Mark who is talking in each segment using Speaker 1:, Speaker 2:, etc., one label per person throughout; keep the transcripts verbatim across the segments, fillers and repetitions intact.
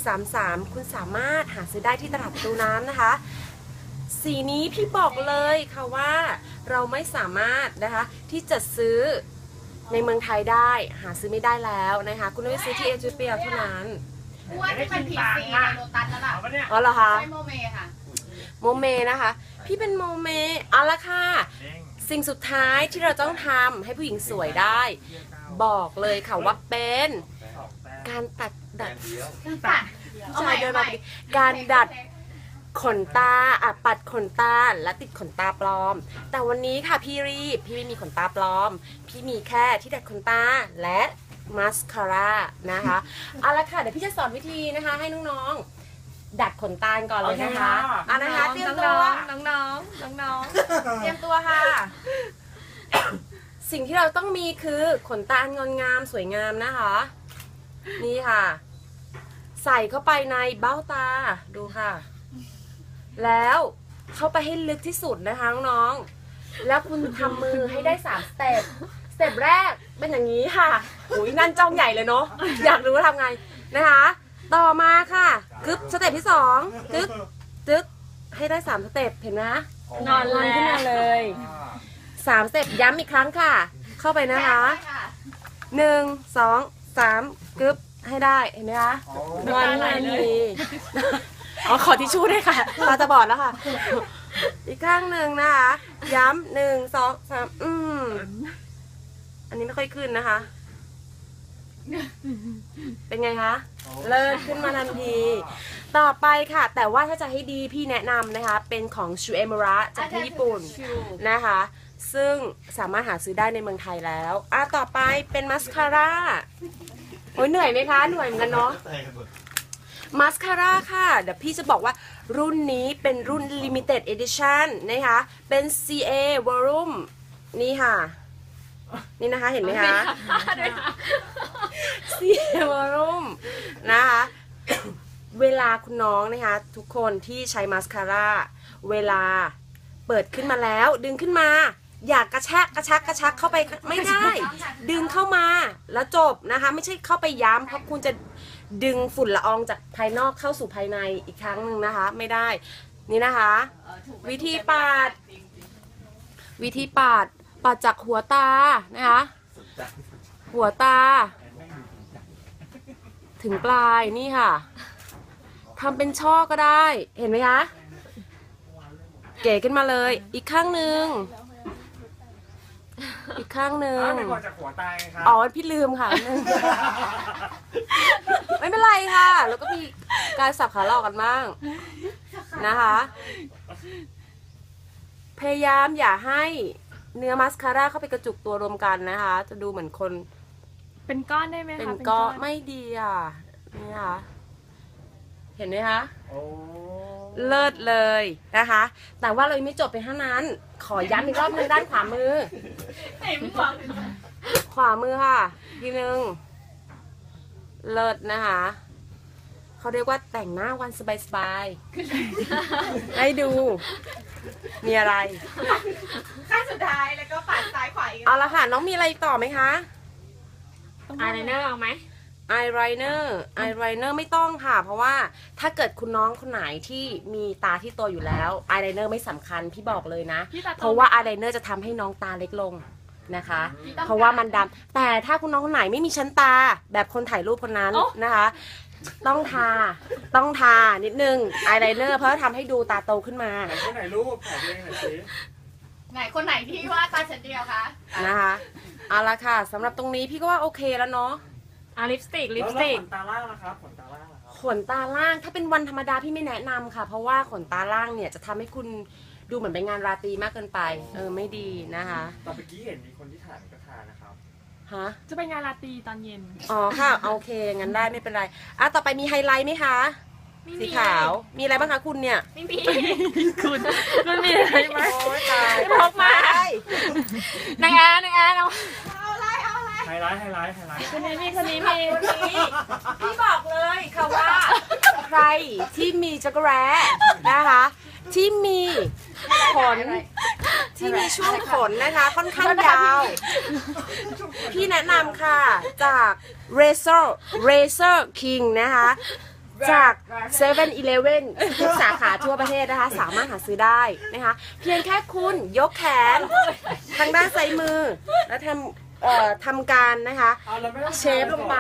Speaker 1: สามสามคุณสามารถหาซื้อได้ที่ตลาดประตูน้ำนะคะสีนี้พี่บอกเลยค่ะว่าเราไม่สามารถนะคะที่จะซื้อในเมืองไทยได้หาซื้อไม่ได้แล้วนะคะคุณต้องไปซื้อที่เอธิโอเปียเท่านั้น
Speaker 2: ว่าที่มันผิดสีในโลตัสแล้วล่ะ
Speaker 1: อ๋อเหรอคะ
Speaker 2: ใช่โมเมค่ะ
Speaker 1: โมเมนะคะพี่เป็นโมเมเอาละค่ะสิ่งสุดท้ายที่เราต้องทำให้ผู้หญิงสวยได้บอกเลยค่ะว่าเป็นการตัดดัดผู้ชายเดินมาการดัดขนตาอ่ะปัดขนตาและติดขนตาปลอมแต่วันนี้ค่ะพี่รีบพี่ไม่มีขนตาปลอมพี่มีแค่ที่ดัดขนตาและมาสคาร่านะคะเอาละค่ะเดี๋ยวพี่จะสอนวิธีนะคะให้น้องๆดัดขนตาก่อนเลยนะคะอ่ะนะคะเตรียมตัวน้องๆน้องๆเตรียมตัวค่ะสิ่งที่เราต้องมีคือขนตางดงามสวยงามนะคะนี่ค่ะใส่เข้าไปในเบ้าตาดูค่ะแล้วเข้าไปให้ลึกที่สุดนะคะน้องๆแล้วคุณทำมือให้ได้สามสเต็ปสเต็ปแรกเป็นอย่างนี้ค่ะอุ้ยนั่นจ้องใหญ่เลยเนาะอยากรู้ว่าทำไงนะคะต่อมาค่ะกึ๊บสเต็ปที่สองกึ๊บจึ๊กให้ได้สามสเต็ปเห็นไหมนอนลงขึ้นมาเลยสามสเต็ปย้ำอีกครั้งค่ะเข้าไปนะคะหนึ่งสองสามกึ๊บให้ได้เห็นไหมคะนอนนอนดีอ๋อขอทิชชู่ด้วยค่ะตาจะบอดแล้วค่ะอีกข้างหนึ่งนะคะย้ำหนึ่งสองสามอืมอันนี้ไม่ค่อยขึ้นนะคะเป็นไงคะเลิศขึ้นมาทันทีต่อไปค่ะแต่ว่าถ้าจะให้ดีพี่แนะนำนะคะเป็นของชูเอมระจากที่ญี่ปุ่นนะคะซึ่งสามารถหาซื้อได้ในเมืองไทยแล้วอ่ะต่อไปเป็นมัสคาร่าโอ้ยเหนื่อยไหมคะเหนื่อยเหมือนกันเนาะมาสคาร่าค่ะเดี๋ยวพี่จะบอกว่ารุ่นนี้เป็นรุ่น Limited Edition นะคะเป็น ซี เอ Volume นี่ค่ะนี่นะคะเห็นไหมคะ ซี เอ Volume นะคะเวลาคุณน้องนะคะทุกคนที่ใช้มาสคาร่าเวลาเปิดขึ้นมาแล้วดึงขึ้นมาอยากกระชากกระชักกระชักเข้าไปไม่ได้ดึงเข้ามาแล้วจบนะคะไม่ใช่เข้าไปย้ำเพราะคุณจะดึงฝุ่นละอองจากภายนอกเข้าสู่ภายในอีกครั้งหนึ่งนะคะไม่ได้นี่นะคะวิธีปาดวิธีปาดปาดจากหัวตานะคะหัวตาถึงปลายนี่ค่ะทำเป็นช่อก็ได้เห็นไหมคะเก๋ขึ้นมาเลยอีกข้างหนึ่งอีกข้างหนึ่งอ๋อพี่ลืมค่ะไม่เป็นไรค่ะแล้วก็มีการสับขาหลอกกันบ้างนะคะพยายามอย่าให้เนื้อมัสคาร่าเข้าไปกระจุกตัวรวมกันนะคะจะดูเหมือนคน
Speaker 3: เป็นก้อนได้ไหมคะ
Speaker 1: เป็นก้อนไม่ดีอ่ะนี่ค่ะเห็นไหมคะเลิศเลยนะคะแต่ว่าเราไม่จบไปเท่านั้นขอย้ำอีกรอบนึงด้านขวามือขวามือค่ะทีนึงเลิศนะคะเขาเรียกว่าแต่งหน้าวันสบายๆให้ดูมีอะไร
Speaker 2: ขั้นสุดท้ายแล้วก็ปัดซ้ายขวาอีก
Speaker 1: เอาละค่ะน้องมีอะไรต่อไหมคะ
Speaker 3: อายไลเนอร์เอาไหม
Speaker 1: อายไลเนอร์อายไลเนอร์ไม่ต้องค่ะเพราะว่าถ้าเกิดคุณน้องคนไหนที่มีตาที่โตอยู่แล้วอายไลเนอร์ไม่สำคัญพี่บอกเลยนะเพราะว่าอายไลเนอร์จะทำให้น้องตาเล็กลงนะคะเพราะว่ามันดำแต่ถ้าคุณน้องคนไหนไม่มีชั้นตาแบบคนถ่ายรูปคนนั้นนะคะต้องทาต้องทานิดนึงอายไลเนอร์เพราะทำให้ดูตาโตขึ้นมา
Speaker 4: ไหนคนไหนรูปถ่ายเองหน่อยสิ
Speaker 2: ไหนคนไหนที่ว่าตาชั้นเดียวคะ
Speaker 1: นะคะเอาละค่ะสำหรับตรงนี้พี่ก็ว่าโอเคแล้วเนาะ
Speaker 3: อ่ะลิปสติกลิปสติก
Speaker 4: ขนตาล่างนะครับขนตาล่างนะครับ
Speaker 1: ขนตาล่างถ้าเป็นวันธรรมดาพี่ไม่แนะนำค่ะเพราะว่าขนตาล่างเนี่ยจะทำให้คุณดูเหมือนเป็นงานราตรีมากเกินไปเออไม่ดีนะคะ
Speaker 4: ตอนเมื่อกี้เห็นมีคนที่ถ่ายก็ทานะครับ
Speaker 1: ฮะ
Speaker 3: จะเป็นงานราตรีตอนเย็น
Speaker 1: อ๋อค่ะโอเคงั้นได้ไม่เป็นไรอ่ะต่อไปมีไฮไลท์ไหมคะสีขาวมีอะไรบ้างคะคุณเนี่ย
Speaker 3: ไม่มีคุณมันมีอะไรไหม
Speaker 1: โอ้ยตาย
Speaker 3: พกมานางแอนนางแอนเอา
Speaker 4: ไฮไลท์ไฮไลท์ไฮไลท์
Speaker 3: คนนี้มีคนนี้มี
Speaker 1: พี่บอกเลยค่ะว่าใครที่มีจักรแร้นะคะที่มีขนที่มีช่วงขนนะคะค่อนข้างยาวพี่แนะนำค่ะจาก Razor Razor King นะคะจากเซเว่นอีเลฟเว่นทุกสาขาทั่วประเทศนะคะ สามารถหาซื้อได้นะคะ เพียงแค่คุณยกแขนทางด้านซ้ายมือ แล้วทำเอ่อทำการนะคะ
Speaker 4: เอาแล้วไม่ต้อง
Speaker 1: เชฟลงไป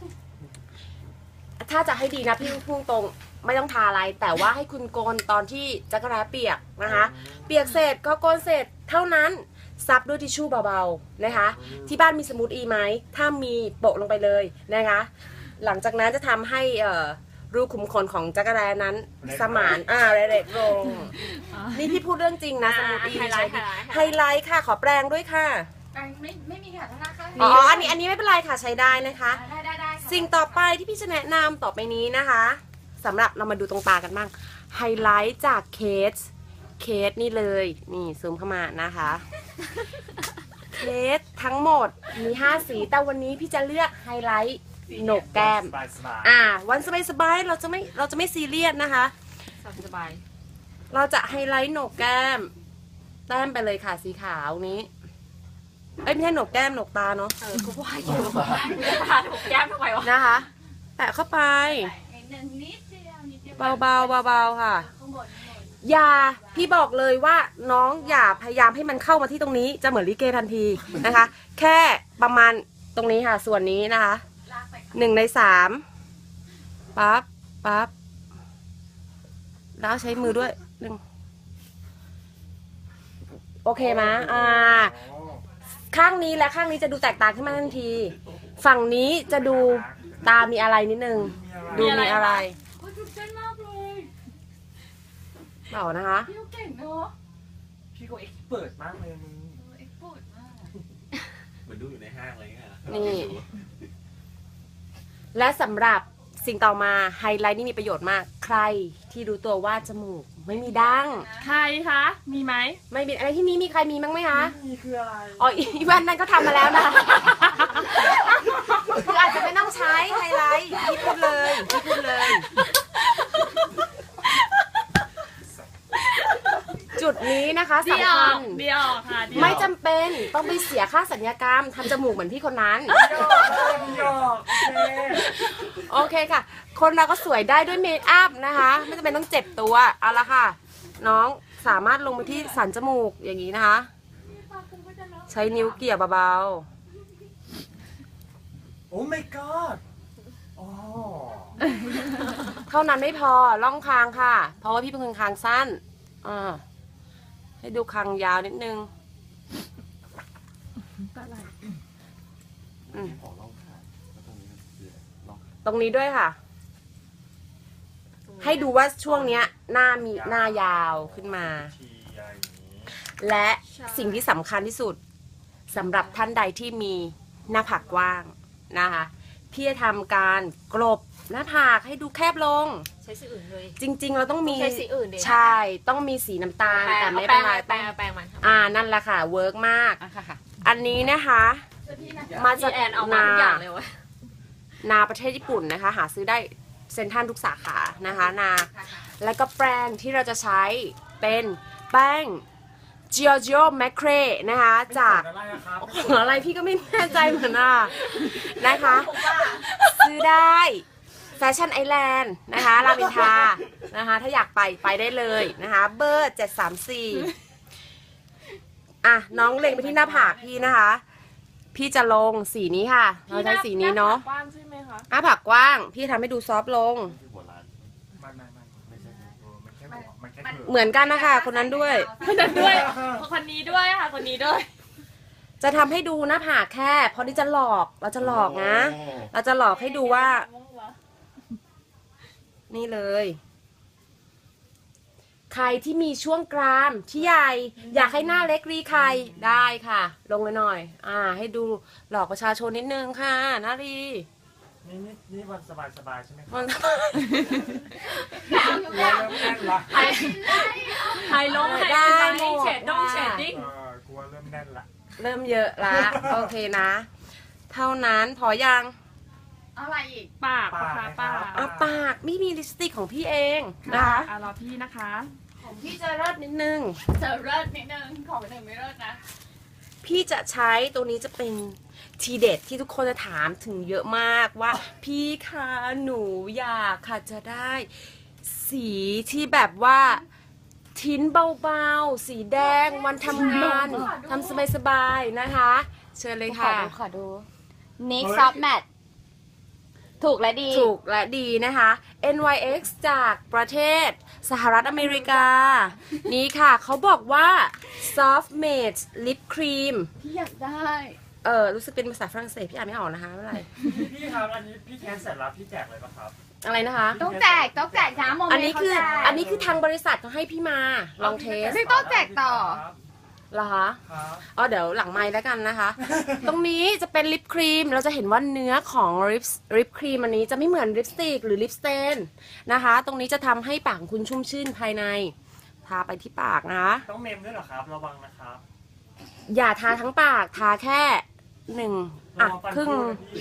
Speaker 1: ถ้าจะให้ดีนะพี่พุ่งตรงไม่ต้องทาอะไร แต่ว่าให้คุณโกนตอนที่จักรแร้เปียกนะคะ เปียกเสร็จก็โกนเสร็จเท่านั้นซับด้วยทิชชู่เบาๆนะคะ ที่บ้านมีสมูทอีไหมถ้ามีโปะลงไปเลยนะคะ หลังจากนั้นจะทำให้เอ่อรูขุมขนของจักรแร้นั้นสมานอ่าเล็กๆลง นี่พี่พูดเรื่องจริงนะสมูทอี
Speaker 3: ไฮไล
Speaker 1: ใช้
Speaker 3: ท์
Speaker 1: ดี
Speaker 3: ไฮไลท์
Speaker 1: ไฮไลท์ค่ะขอแปลงด้วยค่ะ
Speaker 2: ไม่ไม่มีค่ะธนาคาร
Speaker 1: อ๋ออันนี้อันนี้ไม่เป็นไรค่ะใช้ได้นะคะ
Speaker 2: ได้ได้ได้ค่ะ
Speaker 1: สิ่งต่อไปที่พี่จะแนะนำต่อไปนี้นะคะสำหรับเรามาดูตรงตากันบ้างไฮไลท์จากเคสเคสนี่เลยนี่ซูมเข้ามานะคะเคสทั้งหมดมีห้าสีแต่วันนี้พี่จะเลือกไฮไลท์โหนกแก้ม
Speaker 4: สบายสบาย
Speaker 1: อ่าวันสบายๆเราจะไม่เราจะไม่ซีเรียสนะคะ
Speaker 3: สบาย
Speaker 1: เราจะไฮไลท์โหนกแก้มแต้มไปเลยค่ะสีขาวนี้เอ้ยไม่ใช่โหนกแก้มโหนกตาเนาะ
Speaker 3: เออกูว่าอยู่ทาถูกแก้มทำไมวะ
Speaker 1: นะคะแปะเข้าไป
Speaker 2: นิดนึงนิดเดียวนิดเดียว
Speaker 1: เบาๆเบาๆค่ะ
Speaker 2: ข้างบนข้างบน
Speaker 1: อย่าพี่บอกเลยว่าน้องอย่าพยายามให้มันเข้ามาที่ตรงนี้จะเหมือนลิเกทันทีนะคะ แค่ประมาณตรงนี้ค่ะส่วนนี้นะคะ
Speaker 2: ลากไปค่ะ
Speaker 1: หนึ่งในสามปั๊บปั๊บแล้วใช้มือด้วยหนึ่งโอเคไหมอ่า
Speaker 4: โอ้
Speaker 1: ข้างนี้และข้างนี้จะดูแตกต่างขึ้นมาทันที ฝั่งนี้จะดูตามีอะไรนิดนึงดูมีอะไร
Speaker 2: โอ้ยตื่นเต้นมากเลย
Speaker 1: เปล่านะคะ
Speaker 2: พี่เขาเก่งเนาะ
Speaker 4: พี่ก็เอ็กซ์เปิดมากเลยมึง
Speaker 2: เออเอ็กซ์โพดมาก
Speaker 5: เหมือนดูอยู่ในห้างอะไรเงี้ย
Speaker 1: นี่ และสำหรับสิ่งต่อมาไฮไลท์นี่มีประโยชน์มาก ใครที่รู้ตัวว่าจมูกไม่มีดั้ง
Speaker 3: ใครคะ มีไหม
Speaker 1: ไม่มีอะไรที่นี้มีใครมีมั้งไหมคะ
Speaker 4: นี่คืออะไร
Speaker 1: อ๋ออีวันนั้นก็ทำมาแล้วนะ คืออาจจะไม่ต้องใช้ไฮไลท์พี่พูดเลยพี่พูดเลย จุดนี้นะคะ
Speaker 3: เดีย
Speaker 1: สำ
Speaker 3: ว
Speaker 1: คัญ
Speaker 3: เดียวค่ะเดียว
Speaker 1: ไม่จำเป็นต้องไปเสียค่าสัญญกรรมทำจมูกเหมือนพี่คนนั้น
Speaker 4: หยอกหยอกโอเค
Speaker 1: โอเคค่ะ คนเราก็สวยได้ด้วยเมคอัพนะคะ ไม่จำเป็นต้องเจ็บตัว เอาละค่ะ น้องสามารถลงไปที่สันจมูกอย่างนี้นะคะ ใช้นิ้วเกี่ยเบา
Speaker 4: โอ้ my god อ๋อ
Speaker 1: ๆ เท่านั้นไม่พอล่องคางค่ะ เพราะว่าพี่เป็นคนคางสั้นอ่าให้ดูคางยาวนิดนึงอืม
Speaker 5: ขอลองขาแล้วตรงนี้มันคืออะไรลอง
Speaker 1: ตรงนี้ด้วยค่ะ ให้ดูว่าช่วงเนี้ยหน้ามีหน้ายาวขึ้นมา
Speaker 4: ทีอย่างนี้
Speaker 1: และสิ่งที่สำคัญที่สุดสำหรับท่านใดที่มีหน้าผากกว้างนะคะพี่จะทำการกลบหน้าผากให้ดูแคบลง
Speaker 3: ใช้สีอื่นเลย
Speaker 1: จริง ๆ เราต้องมี
Speaker 3: ใช้สีอื่นดิ
Speaker 1: ใช่ต้องมีสีน้ำตาลแต่ไม่เป็นไร
Speaker 3: แปรงแปรงมัน
Speaker 1: อ่านั่นแหละค่ะเวิร์กมาก
Speaker 3: อ่ะค่ะค่ะ
Speaker 1: อันนี้นะคะ มา
Speaker 3: พี่
Speaker 1: จาก
Speaker 3: แอนเอามา
Speaker 1: นา
Speaker 3: ทุกอย่างเลยวะ
Speaker 1: นาประเทศญี่ปุ่นนะคะ หาซื้อได้เซ็นทรัลทุกสาขานะคะนา แล้วก็แป้งที่เราจะใช้เป็นแป้ง Giorgio Macre นะคะจาก
Speaker 4: อะไรอะครับ
Speaker 1: ของอะไรพี่ก็ไม่แน่ใจเหมือนอ่ะนะคะ ซื้อได้แฟชั่นไอแลนด์นะคะรามอินทรานะคะถ้าอยากไปไปได้เลยนะคะเบอร์เจ็ดสามสี่อ่ะน้องเล็งไปที่หน้าผากพี่นะคะ พี่จะลงสีนี้ค่ะ เราใช้สีนี้เนาะ
Speaker 3: กว้างใช่ไหมคะ
Speaker 1: หน้าผากกว้าง พี่ทำให้ดูซอฟต์ลง
Speaker 5: ที่หัวร้าน
Speaker 4: ไม่ไม่ไม่ไม่ใช่เออมันแค่หัวมันแค่เถอะ
Speaker 1: เหมือนกันนะคะคนนั้นด้วย
Speaker 3: คนนั้นด้วย คนนี้ด้วยค่ะ คนนี้ด้วย
Speaker 1: จะทำให้ดูหน้าผากแค่เพราะนี่จะหลอกเราจะหลอกนะ เราจะหลอกให้ดูว่า นี่เลย ใครที่มีช่วงกรามที่ใหญ่ อยากให้หน้าเล็กรีใครได้ค่ะ ลงเลยหน่อย อ่า ให้ดูหลอกประชาชนนิดนึงค่ะนารี
Speaker 4: นี่นี่นี่วันสบายสบายๆใช่ไหมครับ
Speaker 1: มัน
Speaker 4: กลัวเริ่มแน่นละ
Speaker 3: ไฮไฮลงไฮไลท์เฉดดงเฉดดิ้ง
Speaker 4: เออกลัวเริ่มแน่นละ
Speaker 1: เริ่มเยอะละโอเคนะ เท่านั้นพอยัง
Speaker 2: เอาอะไรอีก
Speaker 3: ปากปากปาก
Speaker 1: เอาปากไม่มีลิปสติกของพี่เองนะคะ
Speaker 3: อ่ะรอพี่นะคะ
Speaker 1: ของพี่จะเลิศนิดนึง
Speaker 2: เจอเลิศนิดนึงของหนึ่งไม่เลิศนะ
Speaker 1: พี่พี่จะใช้ตัวนี้จะเป็นทีเด็ดที่ทุกคนจะถามถึงเยอะมากว่า พี่คะหนูอยากค่ะจะได้สีที่แบบว่าทิ้นเบาๆ สีแดงวันทำงานทำสบายๆนะคะ เชิญเลย
Speaker 3: ขอ
Speaker 1: ค่ะ
Speaker 3: ดูขอดู Nick Soft Matte ถูกและดี
Speaker 1: ถูกและดีนะคะ เอ็น วาย เอ็กซ์ จากประเทศสหรัฐอเมริกา นี่ค่ะเขาบอกว่า soft matte lip cream
Speaker 3: พี่อยากได้
Speaker 1: เออรู้สึกเป็นภาษาฝรั่งเศสพี่อ่านไม่ออกนะคะไม่เป็นไร
Speaker 4: พี่ครับอันนี้พี่แคนเสร็จแล้วพี่แจกเลยปะครับ
Speaker 1: อะไรนะคะ
Speaker 3: ต้องแจกต้องแจกนะโมเมนต์
Speaker 1: อันนี้คือ
Speaker 3: เขาแจก
Speaker 1: อันนี้คือทางบริษัทเขาให้พี่มาลองเทส
Speaker 3: ไม่ต้องแจกต่อ
Speaker 1: เหรอคะ
Speaker 4: ครับ
Speaker 1: อ๋อเดี๋ยวหลังไมค์แล้วกันนะคะ ตรงนี้จะเป็นลิปครีมเราจะเห็นว่าเนื้อของลิปลิปครีมอันนี้จะไม่เหมือนลิปสติกหรือลิปสเตนนะคะ ตรงนี้จะทำให้ปากของคุณชุ่มชื่นภายใน ทาไปที่ปากนะคะ
Speaker 4: ต้องเมมด้วยเหรอครับ ระวังนะครับ
Speaker 1: อย่าทาทั้งปากทาแค่หนึ่ง
Speaker 4: ระ
Speaker 1: อ่ะ
Speaker 4: วังฟัน
Speaker 1: ครึ่ง
Speaker 4: พูดนะพี่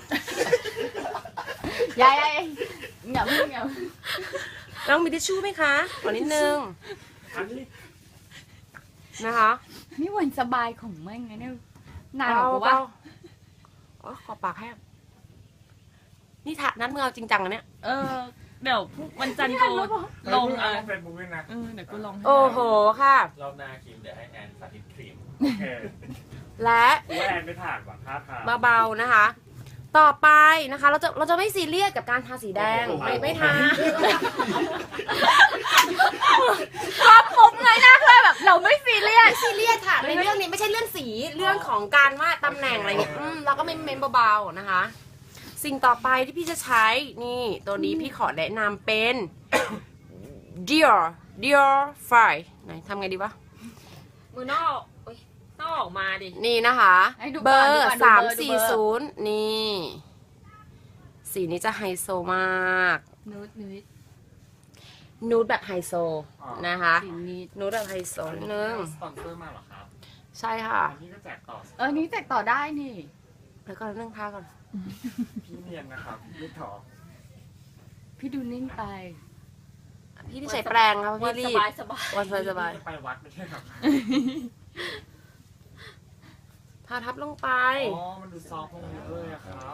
Speaker 3: ยายยายอย่าเพิ่งอย่าเพิ่ง
Speaker 1: ต้องมีทิชชู่ไหมคะขอนิดนึง
Speaker 4: อันนี้
Speaker 1: นะคะ
Speaker 3: นี่วันสบายของแม่งไงเนี่ยนานกว่า
Speaker 1: เบ
Speaker 3: ว่า
Speaker 1: ๆอ๋อขอปากแห้งนี่ทานัดมือเอาจริงจังนะเนี่ย
Speaker 3: เออ เดี๋ยวพรุ่งวันจันทร์กูลง
Speaker 4: อ่ะ
Speaker 3: อ่ะ
Speaker 4: เฟซบุ๊กด้วยนะ
Speaker 3: เออเดี๋ยวกูลงให้
Speaker 1: โอ้โหค่ะ
Speaker 5: รอบหน้าครีมเดี๋ยวให้แอนสาธิตครีม
Speaker 4: โอเค
Speaker 1: และ
Speaker 4: กูว่าแอนไม่ผ่านว่ะท่าทาง
Speaker 1: เบาๆนะคะ ต่อไปนะคะ เราจะเราจะไม่ซีเรียสกับการทาสีแดง
Speaker 4: โอ้โห
Speaker 1: ไม่ไม่ทา
Speaker 3: ชอบปุ๊บเลยนะคือแบบเราไม่ซีเรียส
Speaker 1: ซีเรียสค่ะในเรื่องนี้ไม่ใช่เรื่องสีเรื่องของการว่าตำแหน่งอะไรเงี้ยอืมเราก็ไม่เม้นเบาๆนะคะ สิ่งต่อไปที่พี่จะใช้นี่ตัวนี้พี่ขอแนะนำเป็น Dior Dior Fire ไหนทำไงดีวะ
Speaker 3: มือนอกเอ้ยต้องออกมาดิ
Speaker 1: นี่นะคะ
Speaker 3: ให้ดูก่อน
Speaker 1: เบอ
Speaker 3: ดู
Speaker 1: ร์
Speaker 3: ก่อนดู
Speaker 1: สาม
Speaker 3: เบอร์ดู
Speaker 1: สี่
Speaker 3: เบอร์
Speaker 1: ศูนย์นี่ สีนี้จะไฮโซมาก
Speaker 3: นูดนูด
Speaker 1: นูดแบบไฮโซนะคะ
Speaker 3: สีนี้
Speaker 1: นูดแบบไฮโซนิดนึง
Speaker 4: สปอนเซอร์มาเหรอครับ
Speaker 1: ใช่ค่ะ
Speaker 4: อันนี้ก็แจกต่อ
Speaker 3: เออนี่แจกต่อได้นี่
Speaker 1: แล้วก็นึ่งทาก่อน
Speaker 4: พี่เนียนนะครับไม่ถอ
Speaker 3: พี่ดูนิ่งไป
Speaker 1: พี่ที่ใช้แปรงครับพี่รีบ
Speaker 3: สบายสบาย
Speaker 1: วันสบายสบาย
Speaker 4: ไปวัดไม่ใช่ครับ
Speaker 1: ทาทับลงไป
Speaker 4: อ๋อ มันดูซอฟต์ลงเยอะเลยอะครับ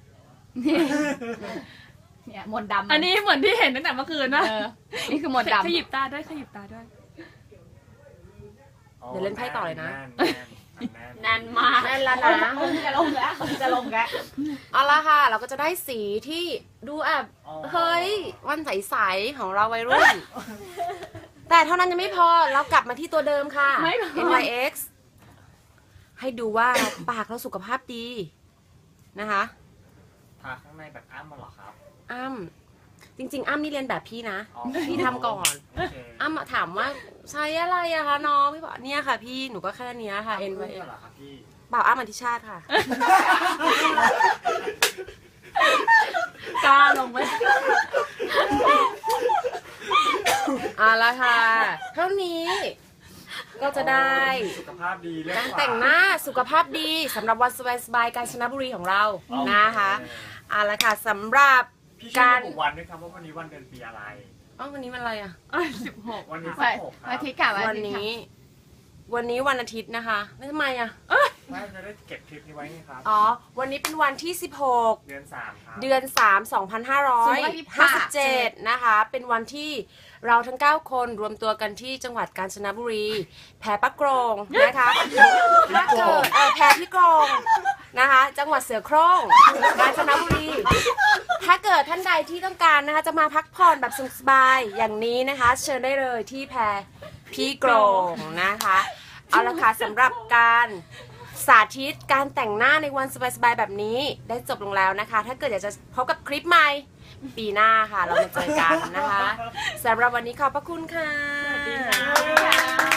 Speaker 3: เนี่ยมนต์ดำ
Speaker 6: อันนี้เหมือนที่เห็นตั้งแต่เมื่อคืนนะ
Speaker 3: เออนี่คือมนต์ดำ
Speaker 6: ขยิบตาด้วยขยิบตาด้วย
Speaker 1: เดี๋ยวเล่นไพ่ต่อเลยนะ
Speaker 4: แน่นแน่นแน่น
Speaker 3: แน่นมาก
Speaker 1: แน่นแล้วนะ
Speaker 2: จะลงแล้วจะลงแล้ว
Speaker 1: เอาละค่ะ เราก็จะได้สีที่ดูแอบเฮ้ย วันใสๆของเราวัยรุ่น แต่เท่านั้นยังไม่พอเรากลับมาที่ตัวเดิมค่ะ
Speaker 3: ไม่พอ
Speaker 1: เอ็น วาย เอ็กซ์ ให้ดูว่าปากเราสุขภาพดีนะคะ
Speaker 4: ทาข้างในแบบอ้ำมาเหรอครับ
Speaker 1: อ้ำจริง ๆ อ้ำนี่เรียนแบบพี่นะ
Speaker 4: อ๋อ
Speaker 1: พี่ทำก่อน
Speaker 4: โอเค
Speaker 1: อ้ำถามว่าใช้อะไรอะคะน้องพี่บอกเนี่ยค่ะ พี่หนูก็แค่เนี้ยค่ะ เอ็น วาย เอ็กซ์
Speaker 4: เหรอครับพี่
Speaker 1: เปล่าอ้ำอธิชาติค่ะ
Speaker 6: กล้าลงไหม
Speaker 1: เอาละค่ะ เท่านี้ก็จะได้
Speaker 4: สุขภาพดีเรื่อง
Speaker 1: การแต่งหน้าสุขภาพดีสำหรับวันสบายๆกาญจนบุรีของเรานะคะเอาละค่ะสำหรับ
Speaker 4: พี่ช่วยระบุวันด้วยครับว่าวันนี้วันเดือนปีอะไร
Speaker 1: อ๋อวันนี้วันอะไรอ่ะ
Speaker 6: สิบหก
Speaker 4: วันนี้
Speaker 3: วั
Speaker 4: สิ
Speaker 3: น
Speaker 4: บหกครั
Speaker 3: อา
Speaker 4: บ
Speaker 3: ทิตย์ค่ะ
Speaker 1: วัน
Speaker 3: อาทิตย์ค่ะ
Speaker 1: นี้ วันนี้วันอาทิตย์นะคะแล้วทำไมอ่ะ
Speaker 4: ไม่จะได้เก็บคลิปนี้ไว้ไงครับ
Speaker 1: อ๋อวันนี้เป็นวันที่สิบหก
Speaker 4: เดือนสามครับ
Speaker 1: เดือนสาม สองพันห้าร้อยห้าสิบเจ็ดนะคะ เป็นวันที่เราทั้งเก้าคนรวมตัวกันที่จังหวัดกาญจนบุรี แพรปักโกรงนะคะถ้าเกิดเออแพรพี่กรงนะคะ จังหวัดเสือโคร่งกาญจนบุรี ถ้าเกิดท่านใดที่ต้องการนะคะ จะมาพักผ่อนแบบสบายๆอย่างนี้นะคะ เชิญได้เลยที่แพรพี่กรงนะคะ เอาละค่ะสำหรับการสาธิตการแต่งหน้าในวันสบายๆแบบนี้ได้จบลงแล้วนะคะ ถ้าเกิดอยากจะพบกับคลิปใหม่ปีหน้าค่ะ เรามาเจอกันนะคะสำหรับวันนี้ขอบพระคุณค่ะ
Speaker 6: สวัสดีค่ะ